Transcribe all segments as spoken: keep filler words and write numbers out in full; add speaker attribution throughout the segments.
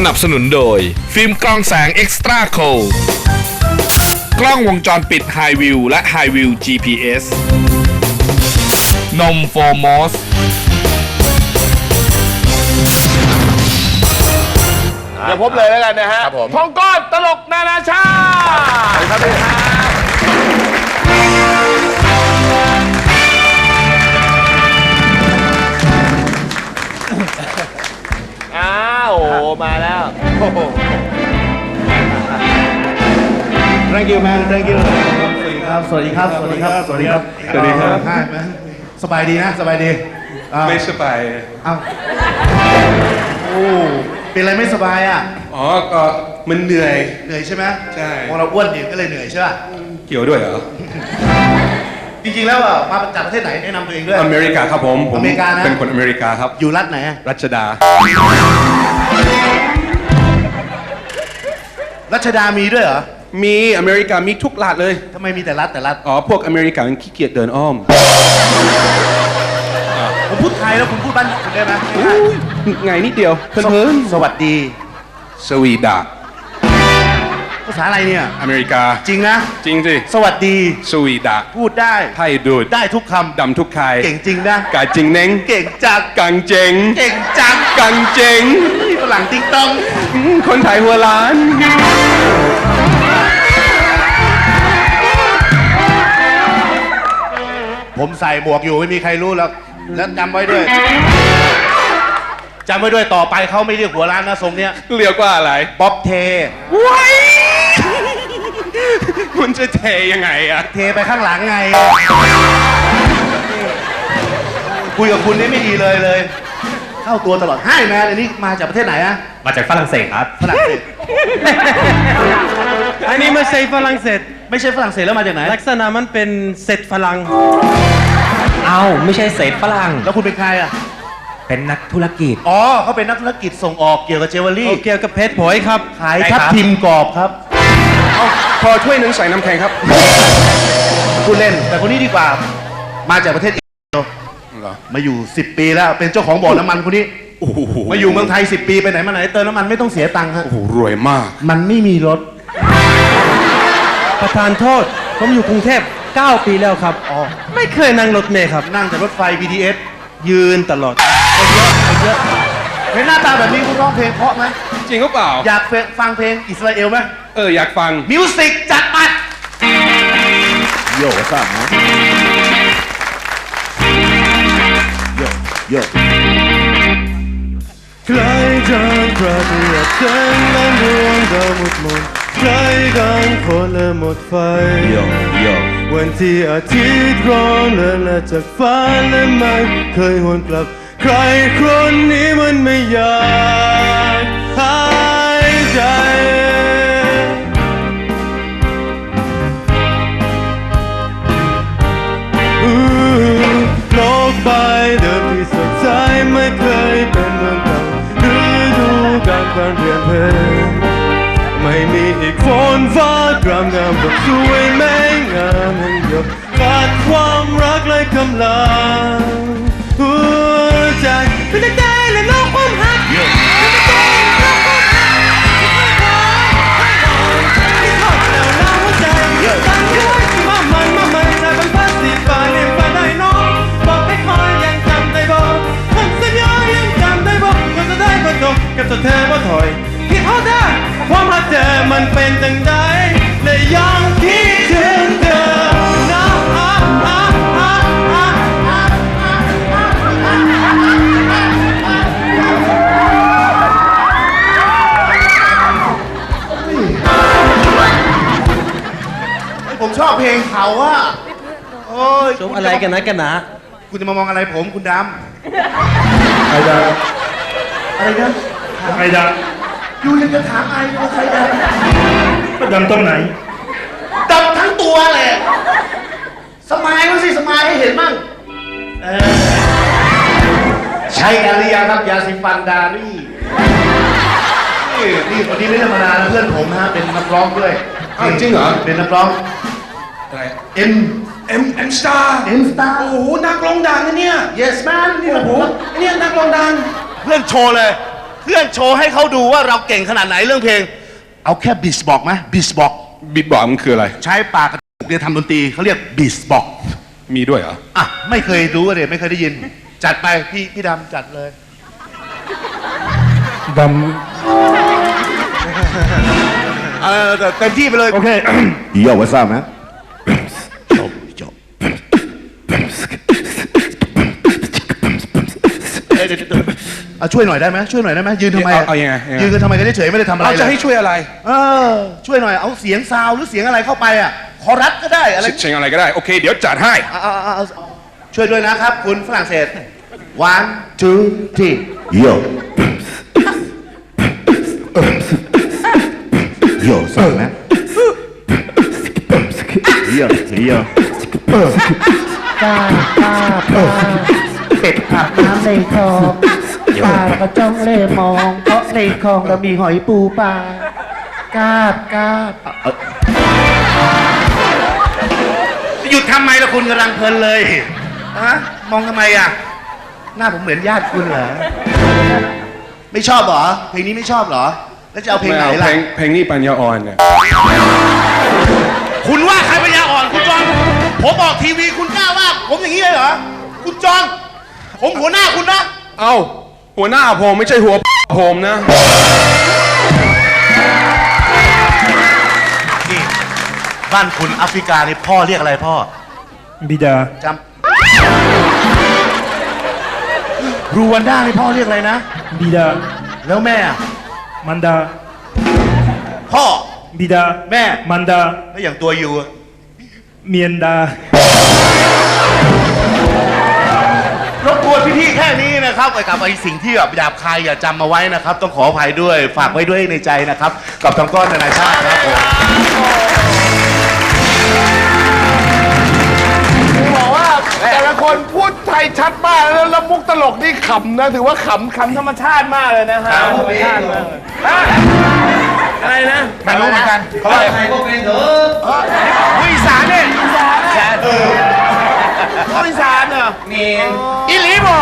Speaker 1: นับสนุนโดยฟิล์มกล้องแสง Extra C O กล้องวงจรปิด High View และ High View จี พี เอส นมโฟมอส
Speaker 2: เดี๋ยวพบเลยแล้วกันนะฮะทองก้อนตลกนานาชาติครับพี่ฮะอ้าวโอ้มาแล้ว
Speaker 3: Thank you man Thank you สวัสดีครับ สวัสดีครับ สวัสดีครับ สวัสดีครับ สวัสดีครับสบายดีนะ สบายดี
Speaker 4: ไม่สบาย
Speaker 3: เอ้าโอ้เป็นอะไรไม่สบายอ่ะ
Speaker 4: อ๋อก็มันเหนื่อย
Speaker 3: เหนื่อยใช่ไหม
Speaker 4: ใช่
Speaker 3: พอเราอ้วนเนี่ยก็เลยเหนื่อยใช่ป่ะ
Speaker 4: เกี่ยวด้วยเหรอ
Speaker 3: จริงๆแล้วอ่ะมาจากประเทศไหนแนะนำตัวเองด้วย
Speaker 4: อเมริกาครับผม
Speaker 3: อเมริกานะ
Speaker 4: เป็นคนอเมริกาครับ
Speaker 3: อยู่รัฐไหน
Speaker 4: รัชดา
Speaker 3: รัชดามีด้วยเหรอ
Speaker 4: มีอเมริกามีทุกรัฐเลย
Speaker 3: ทำไมมีแต่รัฐแต่รัฐ
Speaker 4: อ๋อพวกอเมริกามันขี้เกียจเดินอ้อม
Speaker 3: ผมพูดไทยแล้วคุณพูดบ้านคุณได้ไหม
Speaker 4: ไงนิดเดียวเพิ่น
Speaker 3: สวัสดี
Speaker 4: สวีดา
Speaker 3: ภาษาอะไรเนี่ย
Speaker 4: อเมริกา
Speaker 3: จริงนะ
Speaker 4: จริงสิ
Speaker 3: สวัสดี
Speaker 4: สวีดา
Speaker 3: พูดได้
Speaker 4: ไทยดูด
Speaker 3: ได้ทุกคำ
Speaker 4: ดำทุกคาย
Speaker 3: เก่งจริงนะ
Speaker 4: กาจริงเน้ง
Speaker 3: เก่งจัง
Speaker 4: กังเจง
Speaker 3: เก่งจัง
Speaker 4: กังเจง
Speaker 3: ฝรั่งติ๊งต้อง
Speaker 4: คนไทยหัวล้าน
Speaker 3: ผมใส่หมวกอยู่ไม่มีใครรู้แล้วแล้วจำไว้ด้วยจำไว้ด้วยต่อไปเขาไม่เรียกหัวร้านนะทรงเนี้ย
Speaker 4: เรียกว่าอะไร
Speaker 3: บ๊อบเท
Speaker 4: ว้ายคุณจะเทยังไงอะ
Speaker 3: เทไปข้างหลังไงคุยกับคุณนี่ไม่ดีเลยเลยเข้าตัวตลอดให้แมนอันนี้มาจากประเทศไหนอะ
Speaker 5: มาจากฝรั่งเศสครับ
Speaker 3: ฝรั่งเศส
Speaker 5: อันนี้ไม่ใช่ฝรั่งเศส
Speaker 3: ไม่ใช่ฝรั่งเศสแล้วมาจากไหน
Speaker 5: ลักษณะมันเป็นเศษฝรั่งเอ้าไม่ใช่เศษฝรั่ง
Speaker 3: แล้วคุณเป็นใครอะ
Speaker 5: เป็นนักธุรกิจ
Speaker 3: อ๋อเขาเป็นนักธุรกิจส่งออกเกี่ยวกับเจวเวลรี่
Speaker 5: เกี่ยวกับเพชรผอยครับ
Speaker 3: ขายทับทิมกรอบครับ
Speaker 4: เอาพอถ้วยหนึ่งใส่น้ำแข็งครับ
Speaker 3: พูดเล่นแต่คนนี้ดีกว่ามาจากประเทศอินเดียมาอยู่สิบปีแล้วเป็นเจ้าของบ่อน้ำมันคนนี้มาอยู่เมืองไทยสิบปีไปไหนมาไหนเติมน้ำมันไม่ต้องเสียตังค์ฮะ
Speaker 4: โอ้โหรวยมาก
Speaker 3: มันไม่มีรถ
Speaker 5: ประธานโทษผมอยู่กรุงเทพเก้าปีแล้วครับอ๋อไม่เคยนั่งรถเมล์ครับ
Speaker 3: นั่งแต่รถไฟ บี ที เอส
Speaker 5: ยืนตลอด
Speaker 3: เยอะเยอะเห็นหน้าตาแบบนี้คุณร้องเพลงเพราะไหม
Speaker 4: จริงหรือเปล่า
Speaker 3: อยากฟังเพลงอิสราเอลไหม
Speaker 4: เอออยากฟัง
Speaker 3: มิวสิกจัดมาโย่สั่งนะโย่โย่
Speaker 5: ใครกันกระเดียดเส้นและดวงดาวหมดหมดใครกันคนละหมดไฟ
Speaker 3: โย่โย่
Speaker 5: วันที่อาทิตย์ร้อนและละจากฟ้าและไม่เคยหวนกลับใครคนนี้มันไม่อยากหายใจโลกใบเดิมที่สดใสไม่เคยเป็นเมืองเก่าฤดูกาลการเปลี่ยนแปลงไม่มีอีกฝนฟ้ากรามงามแบบสวยแม่งามแห่งหยดขาดความรักเลยกำลังหัวใจเป็นใจและโลกความหักเป็นใจและโลกความหักที่ไม่พอให้นอนที่ทอดแล้วน้ำหัวใจตั้งไว้ที่ว่ามันมามันใจบรรพัดสีฟ้าเรียนฟ้าได้น้องบอกให้คอยยังจำได้บอกคำสัญญายังจำได้บอกก็จะได้ก็จบกับตัวเธอว่าถอยคิดเอาได้ความรักเธอมันเป็นจังใดและยังคิดถึงเธอนะ
Speaker 3: ผมชอบเพลงเขาอะโอ้ย
Speaker 5: ชมอะไรกันนะกันนะ
Speaker 3: คุณจะมามองอะไรผมคุณดำใครดำอะไรนะ
Speaker 6: ใครด
Speaker 3: ำยูยังจะถามไอ้ว่าใครด
Speaker 6: ำดำตรงไหน
Speaker 3: ดำทั้งตัวแหละสมายมั้งสิสมายให้เห็นมั่งใช้กันหรือยังครับยาสีฟันดารี่นี่นี่คนนี้ไม่ธรรมดานะเพื่อนผมนะเป็นนักร้องด้วย
Speaker 4: จริงเหรอ
Speaker 3: เป็นนักร้อง
Speaker 4: อะไร
Speaker 3: เอ็ม
Speaker 4: เอ็มเอ็มสตาร์
Speaker 3: เอ็มสตาร์
Speaker 4: โอ้โหนักร้องดังนะเนี่ย
Speaker 3: yes man นี่โอ้โห
Speaker 4: เนี่ยนักร้องดัง
Speaker 3: เพื่อนโชว์เลยพื่อนโชว์ให้เขาดูว่าเราเก่งขนาดไหนเรื่องเพลง เอาแค่บิสบอกไหมบิสบอก
Speaker 4: บิดบอกมันคืออะไร
Speaker 3: ใช้ปากกระตุกเรียนทำดนตรีเขาเรียกบิสบอก
Speaker 4: มีด้วยเหรอ
Speaker 3: อ่ะไม่เคยรู้เลยไม่เคยได้ยิน จัดไปพี่พี่ดำจัดเลย
Speaker 6: ด
Speaker 3: เออแต่เต็มที่ไปเลย
Speaker 6: ำโอเค
Speaker 3: โย่ว่าทราบไหมโย่โย่เอ้ยเดี๋ยวเดี๋ยวอ่ะช่วยหน่อยได้ไหมช่วยหน่อยได้ไหมยืนทำไม
Speaker 4: เอาเอายังไงยังไง
Speaker 3: ยืนกันทำไมกันเฉยๆไม่ได้ทำอะไร
Speaker 4: เรา
Speaker 3: เลย
Speaker 4: จะให้ช่วยอะไร
Speaker 3: เออช่วยหน่อยเอาเสียงซาวหรือเสียงอะไรเข้าไปอ่ะคอรัสก็ได้อะไร
Speaker 4: เชิงอะไรก็ได้ โอเค เดี๋ยวจัดให้
Speaker 3: เอาเอาเอาเอาช่วยด้วยนะครับ คุณฝรั่งเศส one two three yo yo สั่งไหม yo yo
Speaker 7: ป้าป้าป้าเป็ดอาบน้ำในคลองป้าแล้วก็จ้องเล่มอง เพราะในคลองเรามีหอยปูปลากาบกาบ
Speaker 3: หยุดทำไมล่ะคุณกำลังเพลินเลยฮะมองทำไมอ่ะ หน้าผมเหมือนญาติคุณเหรอ ไม่ชอบเหรอ เพลงนี้ไม่ชอบเหรอ แล้วจะเอาเพลง
Speaker 4: ไม่
Speaker 3: ไหน
Speaker 4: เอา
Speaker 3: ล่ะ
Speaker 4: เพลงเพลงนี้ปัญญาอ่อนเนี่ย
Speaker 3: คุณว่าใครปัญญาอ่อนคุณจองผมบอกทีวีคุณกล้าว่าผมอย่างนี้เลยเหรอ คุณจองผมหัวหน้าคุณนะ
Speaker 4: เอ้า หัวหน้าผมไม่ใช่หัวผมนะ
Speaker 3: นี่บ้านคุณแอฟริกานี่พ่อเรียกอะไรพ่อ
Speaker 6: บิดา
Speaker 3: จำรูวันด้านี่พ่อเรียกอะไรนะ
Speaker 6: บิดา
Speaker 3: แล้วแม่อะ
Speaker 6: มันดา
Speaker 3: พ่อ
Speaker 6: บิดา
Speaker 3: แม่
Speaker 6: มันดา
Speaker 3: แล้วอย่างตัวยูอะ
Speaker 6: เมียนดา
Speaker 3: รบกวนพี่ๆแค่นี้นะครับกับไอ้สิ่งที่แบบหยาบคายอย่าจำมาไว้นะครับ ต้องขออภัยด้วย ฝากไว้ด้วยในใจนะครับ กับทางก้อนนานาชาติครับผม
Speaker 2: บอกว่าแต่ละคนพูดไทยชัดมากแล้วแล้วมุกตลกนี่ขำนะถือว่าขำขำธรรมชาติมากเลยนะฮะธรรมชาติมากเลยฮะอะไรนะไม่รู้เหมือนกันเขาว่าใครก็เป็นเถอะอีสานเนี่ยอีสานเนี่ยเอออีสานเหรอมีอีหลีบอก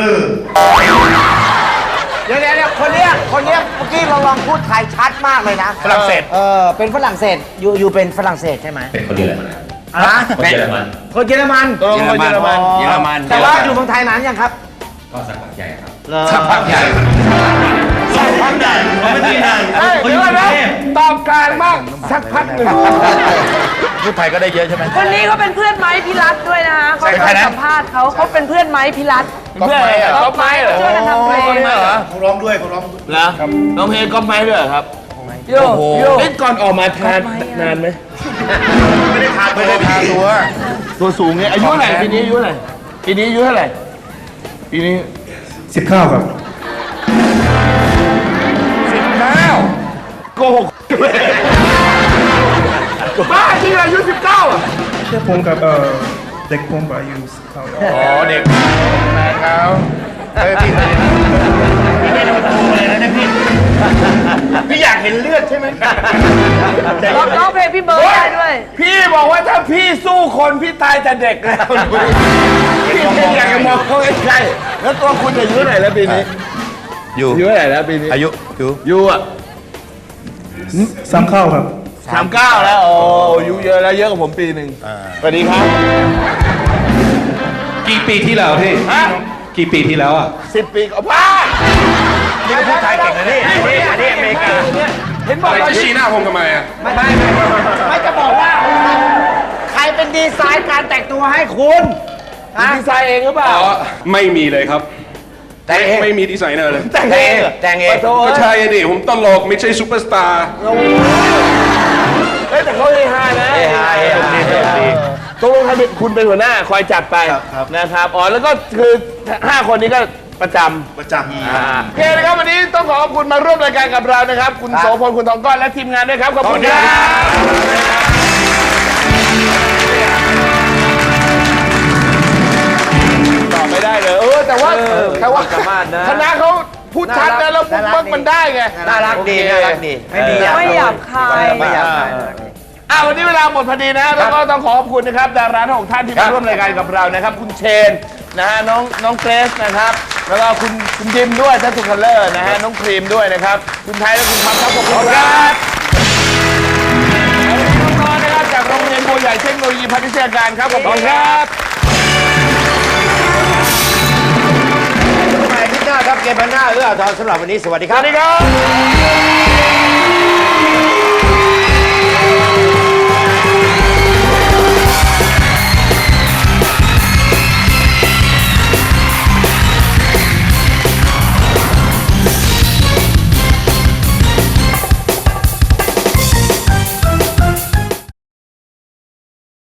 Speaker 7: เดี๋ยวเดี๋ยวคนเนี้ยคนเนี้ยเมื่อกี้เราลองพูดไทยชัดมากเลยนะ
Speaker 3: ฝรั่งเศส
Speaker 7: เออเป็นฝรั่งเศสอยู่อยู่เป็นฝรั่งเศสใช่ไหมเป็นคนเยอรมันอะไรคนเยอรมันคนเยอรมัน
Speaker 2: ตรงคนเยอรมัน
Speaker 7: เยอรมันแต่ว่าอยู่เมืองไทยนานยังครับก็สักพักใหญ่ครับสักพักใหญ่
Speaker 3: สักพักใหญ่ไม่ได้นาน
Speaker 2: เฮ้ยเดี๋ยวก่อนนะตอบกลางมากสักพักหนึ่ง
Speaker 3: พูดไทยก็ได้เยอะใช่ไหม
Speaker 8: คนนี้เขาเป็นเพื่อนไม้พิรัตด้วยนะคะเขา
Speaker 3: เป็น
Speaker 8: เค
Speaker 3: ใคร
Speaker 8: ย
Speaker 3: นะ
Speaker 8: สัมภาษณ์เขาเขาเป็นเพื่อนไม้พิรัต
Speaker 2: เพื่อนอะไรก๊อฟไม้เหรอ
Speaker 8: ช่วยกันทำเพลง
Speaker 2: เหรอ
Speaker 3: เขาร้องด้วยเขาร้อง
Speaker 2: เหรอน้องเพลงก๊อฟไม้ด้วยเหรอครับ
Speaker 8: โยโย่
Speaker 2: เล่นก่อนออกมาทานนานไหม
Speaker 3: ไม่ได้ทานไม่ได้ทานตัว
Speaker 2: ตัวสูงไงอายุเท่าไหร่ปีนี้อายุเท่าไหร่ปีนี้อายุเท่าไหร่ปีนี้
Speaker 6: สิบข้าวครับ
Speaker 2: สิบเก้าโกหกบ้าจริงอายุสิบเก้าอ่ะ
Speaker 6: แค่ผมกับเอ่อเด็กผมอายุสิบข้าว
Speaker 2: อ๋อเด็กแม่เขาเฮ้ยพี่ไม่โดนโกงเลยนะพี่พี่อยากเห็นเลือดใช่ไหม
Speaker 8: ร้องร้องเพลงพี่เบิร์ดได้ด้วย
Speaker 2: พี่บอกว่าถ้าพี่สู้คนพี่ตายแต่เด็กแล้วพี่ไม่อยากจะมองเขาใกล้ๆแล้วตัวคุณอายุเท่าไหร่แล้วปีนี้
Speaker 3: อยู่
Speaker 2: อายุเท่าไหร่แล้วปีนี้
Speaker 3: อายุอยู่
Speaker 2: ยูอ่ะ
Speaker 6: สามข้าวครับ
Speaker 2: สามเก้าแล้วโอ้อายุเยอะแล้วเยอะกว่าผมปีหนึ่งสวัสดีครับ
Speaker 4: กี่ปีที่แล้วพี่
Speaker 2: ฮะ
Speaker 4: กี่ปีที่แล้วอ่ะ
Speaker 2: สิบปีก็บ้านี่ก็พูดไทยเก่งนะนี่อันนี้อเมริกาเห็นบอก
Speaker 4: อะไร
Speaker 2: ว่า
Speaker 4: ที่ชี้หน้าผมทำไมอ่ะ
Speaker 7: ไม่ไม่ไม่ไม่จะบอกว่า ใครเป็นดีไซน์การแต่งตัวให้คุณฮะ
Speaker 2: ดีไซน์เองหรือเปล่า
Speaker 4: อ๋อ ไม่มีเลยครับ
Speaker 2: แต่งเอง
Speaker 4: ไม่มีดีไซเนอร์เลย
Speaker 2: แต่งเองแต่งเอง
Speaker 4: ก็ใช่อะดิ ผมตลกไม่ใช่ซูเปอร์สตาร์
Speaker 2: เฮ้ยแต่เขาเฮฮานะเฮฮาเฮฮาเฮฮาตกลงคุณเป็นหัวหน้าคอยจัดไปนะครับอ๋อแล้วก็คือห้าคนนี้ก็ประจำ
Speaker 3: ประจำ
Speaker 2: โอเคนะครับวันนี้ต้องขอขอบคุณมาร่วมรายการกับเรานะครับ คุณโสพลคุณทองก้อนและทีมงานด้วยครับขอบคุณครับตอบไม่ได้เลยเออแต่ว่าแต่ว่าคณะเขาพูดชัดนะแล้วมุกมักมันได้ไง
Speaker 7: น่ารักดีน่ารักดีไม่มี
Speaker 8: ไม่หยาบคาย
Speaker 7: ไม่อยากขาย
Speaker 2: อ่าวันนี้เวลาหมดพอดีนะแล้วก็ต้องขอขอบคุณนะครับดาราทั้งหกท่านที่มาร่วมรายการกับเรานะครับ คุณเชนนะฮะน้องน้องเกรซนะครับแล้วก็คุณคุณยิมด้วยท่านสุคัลเลอร์นะฮะน้องครีมด้วยนะครับคุณไทยและคุณพับครับขอบคุณครับน้องๆนะครับจากโรงเรียนบัวใหญ่เทคโนโลยีพาณิชยการครับขอบคุณครับ
Speaker 9: ใหม่ที่หน้าครับเกมพันหน้าเอื้ออาทรสำหรับวันนี้สวัสดีค
Speaker 2: ส
Speaker 9: รับ
Speaker 2: วัสดีครับ